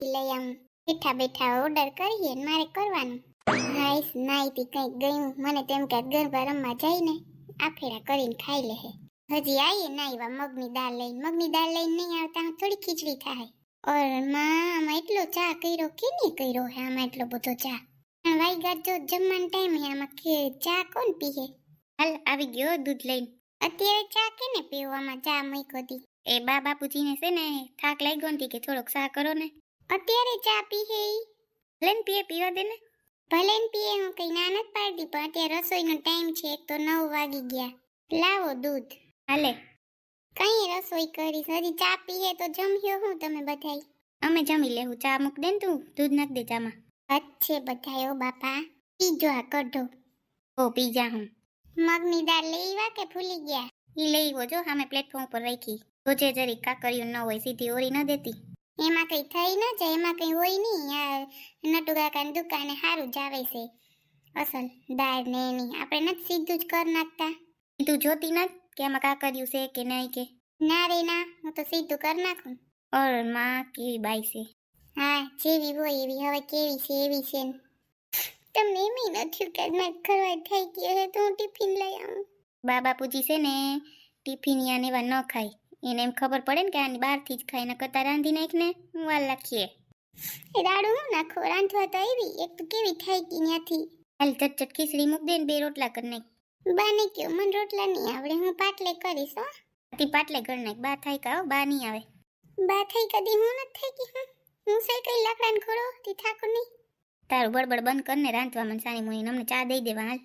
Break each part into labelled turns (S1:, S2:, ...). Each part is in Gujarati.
S1: લઈ આવું. બેઠા બેઠા ઓર્ડર કરીએ ને મારે કરવાનું. હાઈસ નાઈતી કંઈક ગયું મને તેમ કે ગરબા રમવા જઈને આફેડા કરીને ખાઈ લે. હજી આવીએ ના આવ્યા મગની દાળ લઈને નહીં આવતા થોડી ખીચડી થાય. ઓર માં આમાં એટલો ચા કર્યો કે નહીં કર્યો હે આમાં એટલો બધો ચા. વાઈગા જો જમવાનો ટાઈમ હે આમાં કે ચા કોણ પીએ. હાલ આવી ગયો દૂધ લઈને. અત્યારે ચા કેને પીવામાં ચા મૂક્યો હતી. એ બા બાપુજીને છે ને થાક લાગ્યો નથી કે થોડોક ચા કરો ને. અત્યારે ચા પીએ ઈ ભલે ને પીવા દે ને. ભલે ને પીએ હું કઈ ના નથી પાડતી પણ અત્યારે રસોઈનો ટાઈમ છે એક તો 9 વાગી ગયા. લાવો દૂધ. હાલે કઈ રસોઈ કરી હજી ચા પીએ તો જમ્યો હું તમે બધાય. અમે જમી લેવું ચા મૂક દે ને તું દૂધ નાખ દે ચામાં. અચ્છે બધાયો બાપા પીજો આ કઢો. ઓ પીજા હું. મગની દાળ લેવા કે ભૂલી ગયા. ઈ લેવો જો સામે પ્લેટફોર્મ પર રાખી. જોજે જરી કાકરિયું ન હોય સીધી ઓરી ન દેતી. એમાં કઈ થઈ ન જાય એમાં કઈ હોય નહીં. આ નટુ કાકાની દુકાને સારું જ આવે છે અસલ દાળ ને એની. આપણે નથી સીધું જ કર નાખતા. તું જોતી નથી કે આમાં કાકરિયું છે કે નહીં કે. ના રે ના હું તો સીધું કર નાખું. ઓર માં કેવી બાઈ છે. હા જેવી હોય એવી હવે કેવી છે એવી છે. તમને એમ નથી કે મેં ખરવાય થઈ ગયો હે તો હું ટિફિન લઈ આવું. બા બાપુજી છે ને ટિફિન યાને એવા ન ખાય. એને એમ ખબર પડે ને કે આની બહારથી જ ખાય ને કરતા રાંધી નાખને હું વાર લાખીએ. એ દાડું હું નાખો રાંધવા તો આવી એક તો કેવી થઈ ગઈ ત્યાંથી. હાલ ચટચટ ખીચડી મૂક દે ને 2 રોટલા કરી નાખ. બાને કયો મને રોટલા નહીં આવડે હું પાટલે કરીશ. હો તી પાટલે ઘર નાખ બા થાય કા બા નહીં આવે. બા થઈ કદી હું નથી થઈ ગઈ હું સે કઈ લાકડાને ખોડો તી થાકો નહીં. તારું બળબડ બંધ કરને રાંધવા મને સાની મુની અમને ચા દઈ દેવા હાલ.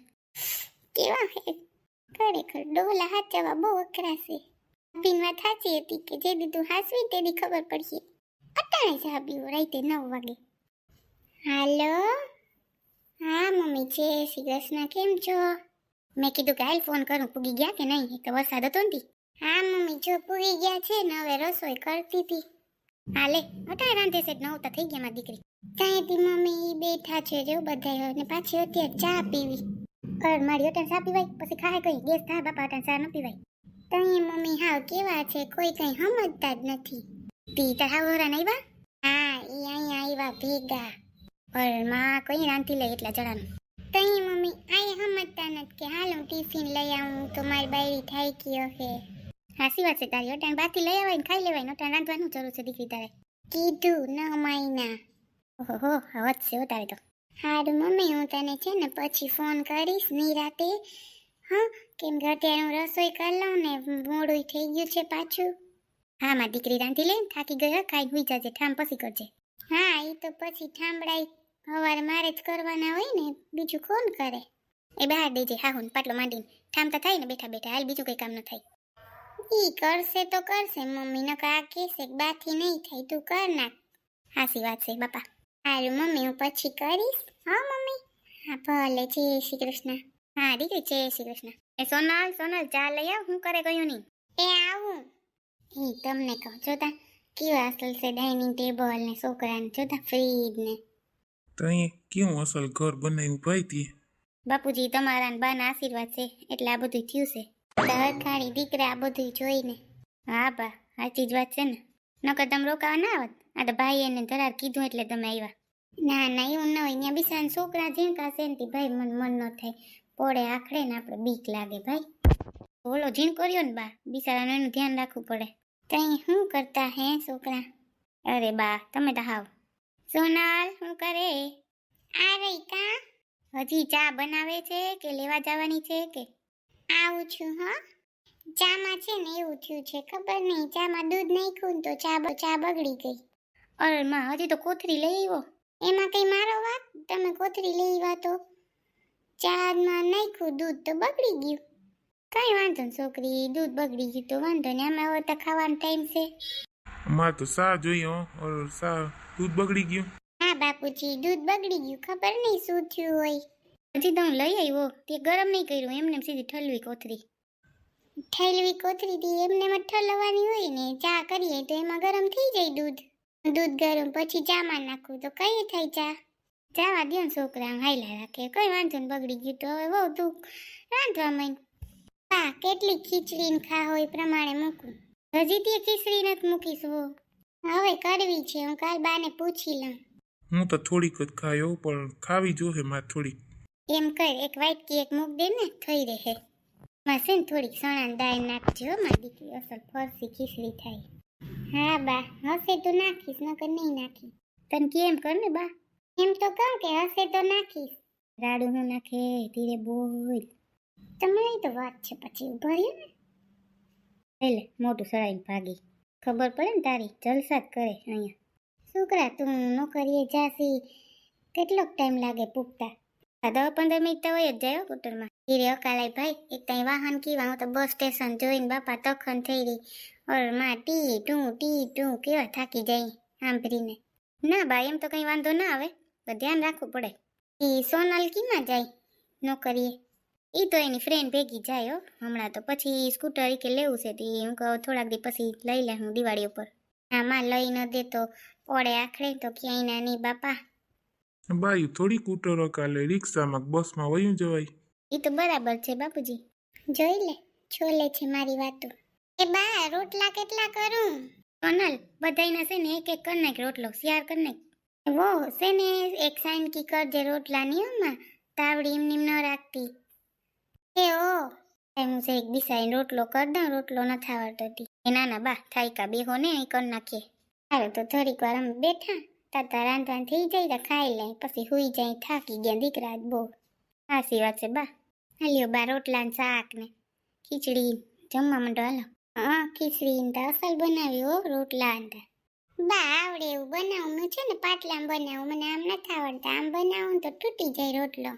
S1: કેવા હે ખરેખર ડોલા હાચવા બહુ અકરા છે. પીનવા થાચી હતી કે જે દીધું હાસવી તેદી ખબર પડશે. અટાણે ચા પીવો રાતે 9 વાગે. હાલો હા મમ્મી જય શ્રી કૃષ્ણ કેમ છો. મેં કીધું કે હાલ ફોન કરું પૂગી ગયા કે નહીં એક તો વરસાદ હતો ને. હા મમ્મી જો પૂગી ગયા છે ને હવે રસોઈ કરતી હતી. હાલે અટાણે રાંધે છે 9 તો થઈ ગયા મારી દીકરી. ત્યાંથી મમ્મી બેઠા છે જો બધાય ને પાછી અત્યારે ચા પીવી. કર મારી અટાણે ચા પીવાય પછી ખાય કઈ ગેસ થાય બાપા અટાણે ચા ન પીવાય. તઈ મમ્મી હાવ કેવા છે કોઈ કઈ સમજતા જ નથી. તી તાર હાવ હોરા નહીં બા. હા ઈ અહીંયા આવ્યા ભેગા. પર માં કઈ રાંધી લે એટલા જણાનું. તઈ મમ્મી આય સમજતા નથી કે હાલ હું ટિફિન લઈ આવું તો મારી બાયરી થાય ગયો હે. હાસી વાત છે તારી અટાણ બાથી લઈ આવાય ને ખાઈ લેવાય અટાણ રાંધવાનું જરૂર છે દીકરી તારે. કીધું ન માયના. ઓહો હવત છે તારે તો. હારું મમ્મી હું તને છે ને પછી ફોન કરીશ નિરાતે. હા કેમ કે અત્યારે હું રસોઈ કરી લઉં ને મોડું થઈ ગયું છે પાછું. હા મારી દીકરી રાંધી લે થાકી ગયો ખાઈ હુઈ જાજે ઠામ પછી કરજે. હા એ તો પછી ઠામડાઈ સવારે મારે જ કરવાના હોય ને બીજું કોણ કરે. એ બહાર દેજે હા હું પાટલો માંડીને ઠામતા થાય ને બેઠા બેઠા હાલ બીજું કઈ કામ ન થાય. ઈ કરશે તો કરશે મમ્મી નકર આ કહેશે કે બાથી નહીં થાય તું કર નાખ. હાસી વાત છે બાપા. હારું મમ્મી હું પછી કરીશ. હા મમ્મી હા ભલે જય શ્રી કૃષ્ણ. હા દીકરી જય શ્રી કૃષ્ણ. એ સોનલ ચા લઈ આવ હું કરે ગયું નહીં. એ આવું એ તમને કહું જોતા કેવા અસલ છે ડાઇનિંગ ટેબલ ને છોકરાને જોતા ફ્રીજ ને.
S2: તઈ કેવું અસલ ઘર બનાવ્યું ભાઈ તી.
S1: બાપુજી તમારા ને બાના આશીર્વાદ છે એટલે આ બધું થયું છે. હરખાણી દીકરા આ બધું જોઈને. હા બા સાચી જ વાત છે ને નકર તમે રોકાવા ના આવત. આ તો ભાઈ એને ધરાર કીધું એટલે તમે આવ્યા. ના ના એવું ન હોય ત્યાં બિસાન છોકરા ઝીણકા છે ને ભાઈ મન ન થાય પોળે આખડે ને આપણે બીક લાગે ભાઈ. ઓલો ઝીણ કર્યો ને બા બિચારાનું એનું ધ્યાન રાખવું પડે. તઈ શું કરતા હે છોકરા. અરે બા તમે તો હાવ. સોનાલ શું કરે. આ રહી કા. હજી ચા બનાવે છે કે લેવા જવાની છે કે. આવું છું હા. ચામાં છે ને એવું થયું છે ખબર નહીં ચામાં દૂધ નાખ્યું તો ચા બગડી ગઈ. અરે માં હજી તો કોથરી લઈ આવ્યો. એમાં કઈ મારો વાત તમે કોથરી લઈ આવ્યા તો ચામાં નાખ્યું દૂધ તો બગડી ગયું. કઈ વાંધો ને છોકરી દૂધ બગડી ગયું તો વાંધો ને આમાં હવે તો ખાવાનો ટાઈમ છે.
S2: અમારે તો સા જોઈએ ઓર સા દૂધ બગડી ગયું.
S1: હા બાપુજી દૂધ બગડી ગયું ખબર નહીં શું થયું હોય. હજી તો હું લઈ આવ્યો તે ગરમ નહીં કર્યું એમને સીધી ઠલવી કોથરી. ઠલવી કોથરી થી એમને ઠલવવાની હોય ને ચા કરીએ તો એમાં ગરમ થઈ જાય દૂધ. દૂધ ગરમ પછી ચામાં નાખું તો કઈ થાય ચા. ચાવા દો ને છોકરા હાઈલા રાખે કઈ વાંધો ને બગડી ગયું તો હવે બહુ તું રાંધવા માંડ. હા કેટલી ખીચડી ખા હોય પ્રમાણે મૂકું. હજી તે ખીચડી નથી મૂકીશું. હવે કરવી છે, હું કાલ બાને પૂછી લઉં.
S2: હું તો થોડીક જ ખાયો પણ ખાવી જોહે મારે થોડીક.
S1: એમ કર, એક વાટકી એક મૂક દે ને, થઈ રહે. માં છે ને થોડીક સણાની દાળ નાખજો હો, મારી દીકરી અસલ ફરસી ખીચડી થાય. હા બા, હશે તો નાખીશ, નકર નહીં નાખી. તને કેમ કર ને બા, એમ તો કહું કે હશે તો નાખીશ. રાડું હું નાખે, ધીરે બોલ. તમારી તો વાત છે, પછી ઉભો રહ્યો ને. એટલે મોટું સળાઈને ભાગી. ખબર પડે ને તારી, જલસા જ કરે અહીંયા. છોકરા તું નોકરીએ જાસી, કેટલોક ટાઈમ લાગે પૂગતા? 10-15 મિનિટ તો હોય જ જાય સ્કૂટરમાં. ધીરે અકાલાય ભાઈ, એક ત્યાં વાહન કીવા, હું તો બસ સ્ટેશન જોઈને બાપા તખન થઈ રહી. ઓર માં ટી ટું કેવા થાકી જાય સાંભળીને. ના બા, એમ તો કંઈ વાંધો ના આવે, પણ ધ્યાન રાખવું પડે. એ સોનલ કીમાં જાય નોકરીએ? એ તો એની ફ્રેન્ડ ભેગી જાય હો હમણાં તો. પછી સ્કૂટર કે લેવું છે તે હું કહું થોડાક દી પછી લઈ લે હું દિવાળી ઉપર. હા માં લઈ ન દે તો પડે આખરે તો ક્યાંય ના નહીં બાપા.
S2: બાયું થોડી કૂટરો કાલે રિક્ષામાં બસમાં વયું જવાય.
S1: એ તો બરાબર છે બાપુજી. જોઈ લે, છોલે છે મારી વાતો. એ બા, રોટલા કેટલા કરું? સોનલ, બધાયના છે ને એક એક કર નાખ રોટલો, શિયાર કર નાખ. વો છે ને એક સાઈન કી કરજે રોટલાની હોમાં, તાવડી એમની ન રાખતી. એ ઓ હું છે એક દિશાઈને રોટલો કર દઉં, રોટલો નથી આવડતો. એ નાના બા, થાયકા બેહો ને અહીં કર નાખીએ. સારું તો થોડીક વાર અમે બેઠા, તાતા રાંધવાનું થઈ જાય તો ખાઈ લે, પછી હુઈ જાય, થાકી ગયા દીકરા બહુ. સાચી વાત છે બા. હાલ્યો બા, રોટલા ને શાક ને ખીચડી જમવા માંડો હાલો. હા, ખીચડી ને અસલ બનાવી હો, રોટલા ને બા આવડે એવું બનાવવાનું છે ને, પાટલામાં બનાવું, મને આમ નથી આવડતા. આમ બનાવું તો તૂટી જાય રોટલો.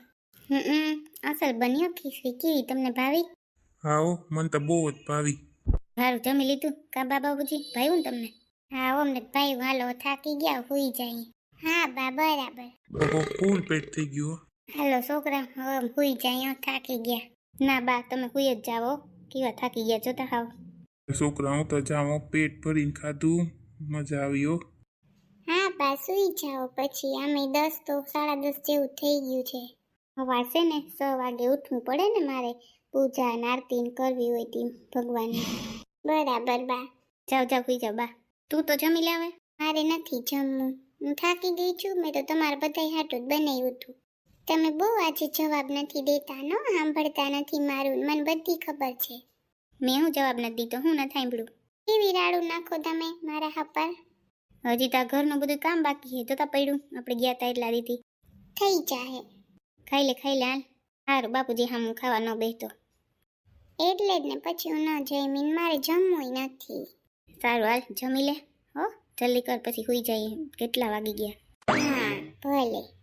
S1: અસલ બન્યો ખીચડી. કેવી, તમને ભાવી?
S2: હા હો, મને તો બહુ જ ભાવી.
S1: સારું જમી લીધું કા બા બાબુજી, ભાવ્યું ને તમને? હા અમને ભાઈ, હાલો થાકી ગયા, હુઈ જાય. હા બા બરાબર.
S2: ઓહો, ફૂલ પેટ થઈ ગયું હો.
S1: હાલો છોકરા, હવે હુઈ જાય, થાકી ગયા. ના બા, તમે હુઈ જ જાઓ, કેવા થાકી ગયા જોતા હાવ.
S2: છોકરા હું તો જાઉં, પેટ ભરીને ખાધું, મજા આવી હો.
S1: હા બા, સુઈ જાઓ પછી. આમે 10 તો 10:30 જેવું થઈ ગયું છે. હવા છે ને 6 વાગે ઉઠવું પડે ને મારે, પૂજા અને આરતી કરવી હોય તી ભગવાનની. બરાબર બા. જાઓ જાઓ હુઈ જાઓ બા. તું તો જમી લે હવે. મારે નથી જમવું, હું થાકી ગઈ છું. મેં તો તમારા બધાય હાટું જ બનાવ્યું હતું. તમે બહુ આજે જવાબ નથી દેતા, નો સાંભળતા નથી મારું, મને બધી ખબર છે. મેં હું જવાબ નથી દીધો, હું નથી સાંભળ્યું. કેવી રાડું નાખો તમે મારા હાપર. હજી તો ઘરનું બધું કામ બાકી છે, જોતા પડ્યું આપણે ગયા તા એટલા દીધી. થઈ જાહે. ખાઈ લે હાલ. સારું બાપુજી, હા હું ખાવા ન બેસતો. એટલે જ ને, પછી હું ન જમીન, મારે જમવું નથી. સારું હાલ જમી લે હો, જલ્દી કર પછી હુઈ જઈએ, કેટલા વાગી ગયા. હા ભલે.